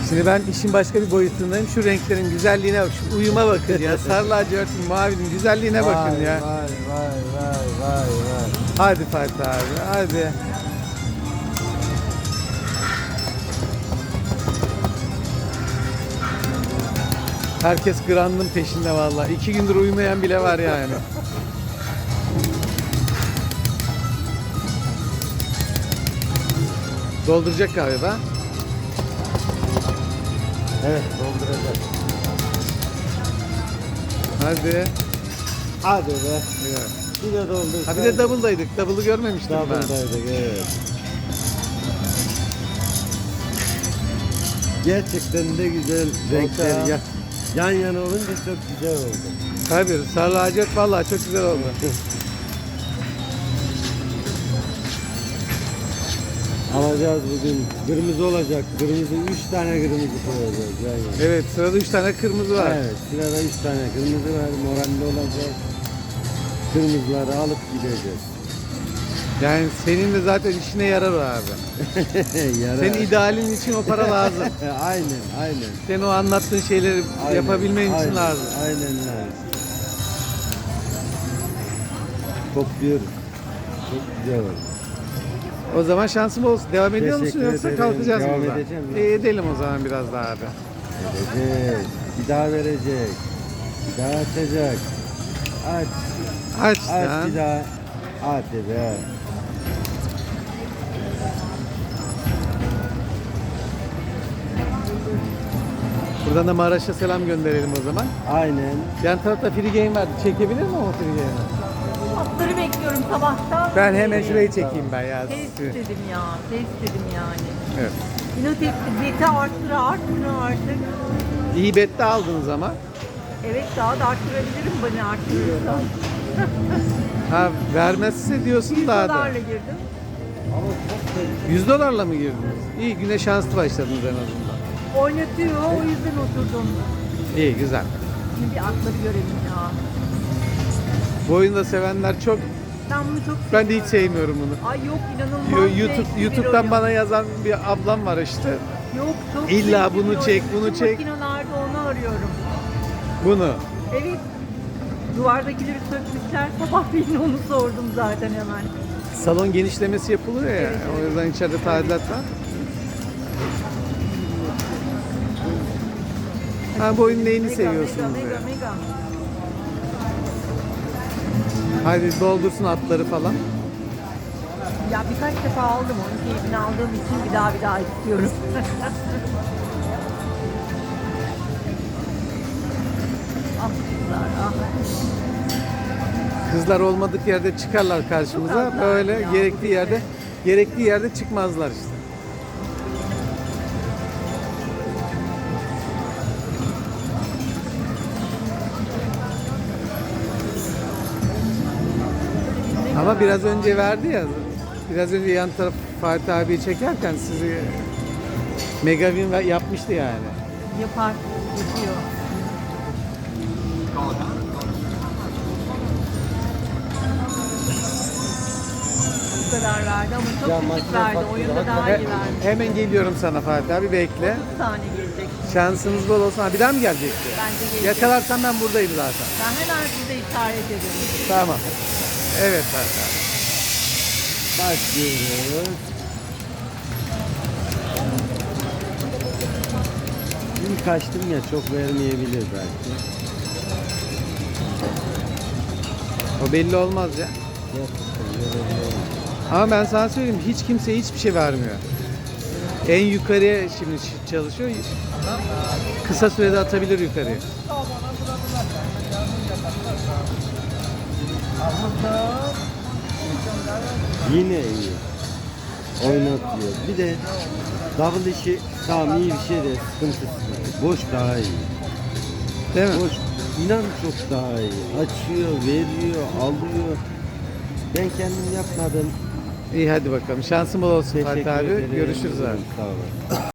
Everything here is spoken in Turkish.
Şimdi ben işin başka bir boyutundayım. Şu renklerin güzelliğine bak. Şu uyuma bakın ya. Sarı lacivertin mavinin güzelliğine bakın ya. Vay. Hadi Fatih abi hadi. Herkes Grand'ın peşinde vallahi. 2 gündür uyumayan bile var yani. Dolduracak galiba. Evet, dolduracak. Hadi. Hadi be. Evet. Bir de doldur. Ha bir de double'daydık. Double'ı görmemiştim ben. Double'daydık, evet. Gerçekten de güzel renkler ya. Yan yana olunca çok güzel oldu. Tabii sarı lacivert vallahi çok güzel oldu. Alacağız bugün. Kırmızı olacak. Kırmızı 3 tane kırmızı koyacağız yan yana. Evet sırada 3 tane kırmızı var. Evet, sırada 3 tane kırmızı var. Moralli olacak. Kırmızıları alıp gideceğiz. Yani senin de zaten işine yarar o abi. Yarar. Senin idealin için o para lazım. Aynen. Senin o anlattığın şeyleri yapabilmen için lazım. Aynen lazım. Topluyoruz. Çok güzel oldu. O zaman şansım olsun. Devam ediyor musun Teşekkür yoksa ederim. kalkacağız Devam burada? edeceğim ya. Edelim o zaman biraz daha abi. Verecek. Bir daha verecek. Bir daha açacak. Aç. Aç Aç lan. bir daha. Hadi be. Buradan da Maraş'a selam gönderelim o zaman. Aynen. Yan tarafta free game vardı. Çekebilir mi o free game'i? Atları bekliyorum sabahtan. Ben hemen şurayı çekeyim ben ya. Test dedim ya, test dedim yani. Evet. İnat etti, beti arttıra artık. İyi bette aldınız ama. Evet daha da arttırabilirim bana arttırırsa. Ha vermezse diyorsun 100 daha da. dolarla girdim. 100 dolarla mı girdiniz? İyi güne şanslı başladınız en azından. Oynatıyor o yüzden oturdum. İyi güzel. Şimdi bir atları görelim ya. Bu oyunu da sevenler çok. Ben bunu çok Ben de hiç seviyorum. sevmiyorum bunu. Ay yok inanılmaz zevkli bir YouTube'dan oyun. bana yazan bir ablam var işte. Yok çok İlla zevkli bunu bir çek, oyun. bunu Bütün çek. Makinelerde onu arıyorum. Bunu. Evet. Duvardakileri sökmüşler. Sabah birine onu sordum zaten hemen. Salon genişlemesi yapılıyor ya. Evet, evet. O yüzden içeride tadilat var. Ha bu oyunun neyini seviyorsunuz Mega, ya? mega. Hadi doldursun atları falan. Ya birkaç defa aldım onun keyfini aldığım için bir daha istiyorum. Ah kızlar ah. Kızlar olmadık yerde çıkarlar karşımıza. Çok azlar Böyle ya, gerektiği yerde çıkmazlar işte. Ama biraz önce verdi ya. Biraz önce yan taraf Fatih abi çekerken sizi Megavin yapmıştı yani. Yapar, yapıyor. Bu kadar verdi ama çok Ya küçük makine verdi. faktörü Oyunda daha iyi verdi. Hemen geliyorum sana Fatih abi bekle. 30 tane gelecek. Şansınız bol olsun. Ha, bir daha mı gelecekti? Bence gelecek. Yakalarsan ben buradayım zaten. Ben hemen size işaret ederim. Tamam. Evet Fatih abi. Başlıyoruz. İlk açtım ya çok vermeyebilir belki. O belli olmaz ya. Gerçekten verebilir. Ama ben sana söyleyeyim hiç kimse hiçbir şey vermiyor. En yukarıya şimdi çalışıyor. Kısa sürede atabilir yukarıya. Yine iyi. Oynatıyor. Bir de double işi tamam iyi bir şey de sıkıntısı var. Boş daha iyi. Değil mi? Boş inan çok daha iyi. Açıyor, veriyor, alıyor. Ben kendim yapmadım. İyi hadi bakalım. Şansın bol olsun Teşekkür Fatih abi. ederim. Görüşürüz abi. Sağ olun.